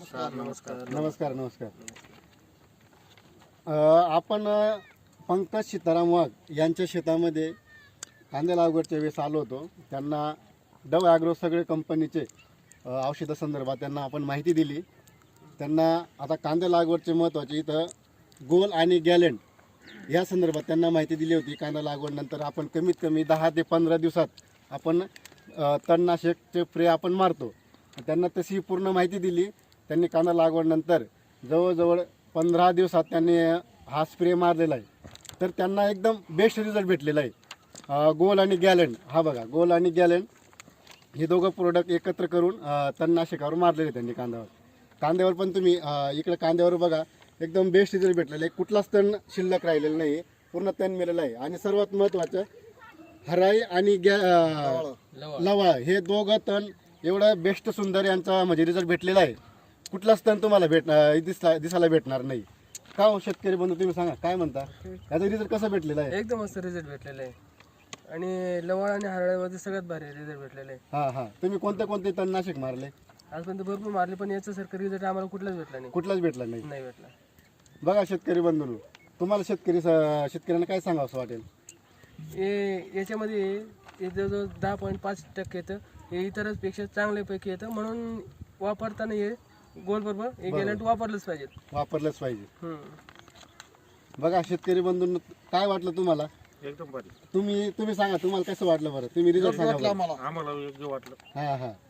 नमस्कार नमस्कार. आपण पंकज सीताराम वाघ यांच्या शेतामध्ये कांदे लागवडच्या वेळेस आलो होतो. त्यांना डव ॲग्रो सगळे कंपनीचे औषधासंदर्भात त्यांना आपण माहिती दिली. त्यांना आता कांदे लागवडचे महत्त्वाचे इथं गोल आणि गॅलेंट या संदर्भात त्यांना माहिती दिली होती. कांदा लागवडनंतर आपण कमीत कमी 10 ते 15 दिवसात आपण तणनाशकचे स्प्रे आपण मारतो. त्यांना तशी पूर्ण माहिती दिली. त्यांनी कांदा लागवडनंतर जवळजवळ 15 दिवसात त्यांनी हा स्प्रे मारलेला आहे. तर त्यांना एकदम बेस्ट रिझल्ट भेटलेला आहे. गोल आणि गॅलेंट हा बघा, गोल आणि गॅलेंट हे दोघं प्रोडक्ट एकत्र करून तणनाशकावर मारलेले त्यांनी कांद्यावर पण तुम्ही इकडे कांद्यावर बघा एकदम बेस्ट रिझल्ट भेटलेला आहे. कुठलाच तण शिल्लक राहिलेला नाही, पूर्ण तण मेलेलं आहे. आणि सर्वात महत्त्वाचं हराई आणि लवा हे दोघं तण एवढं बेस्ट सुंदर यांचा म्हणजे रिझल्ट भेटलेला आहे. कुठलाच तण तुम्हाला दिसायला भेटणार नाही. का हो शेतकरी बंधू, तुम्ही सांगा काय म्हणता, याचा रिझल्ट कसा भेटलेला आहे? एकदम मस्त रिझल्ट भेटलेला आहे आणि लवळ आणि हरळ्यामध्ये सगळ्यात भारी रिझल्ट भेटलेला आहे. हा तुम्ही कोणते तणनाशक मारले? आजपर्यंत भरपूर मारले पण याच्यासारखं रिझल्ट आम्हाला कुठलाच भेटला नाही. कुठलाच भेटला नाही भेटला. बघा शेतकरी बंधूंनो, तुम्हाला शेतकऱ्यांना काय सांगावं असं वाटेल? याच्यामध्ये जवळजवळ 10.5% येतं. हे इतरच पेक्षा चांगल्यापैकी येतं, म्हणून वापरताना हे गोल बरोबर हे गॅलंट वापरलंच पाहिजे. बघा शेतकरी बंधूंनो, काय वाटलं तुम्हाला? एकदम भारी. तुम्ही सांगा, तुम्हाला कसं वाटलं बरं? तुम्ही रिझल्ट सांगा. आम्हाला योग्य वाटलं. हा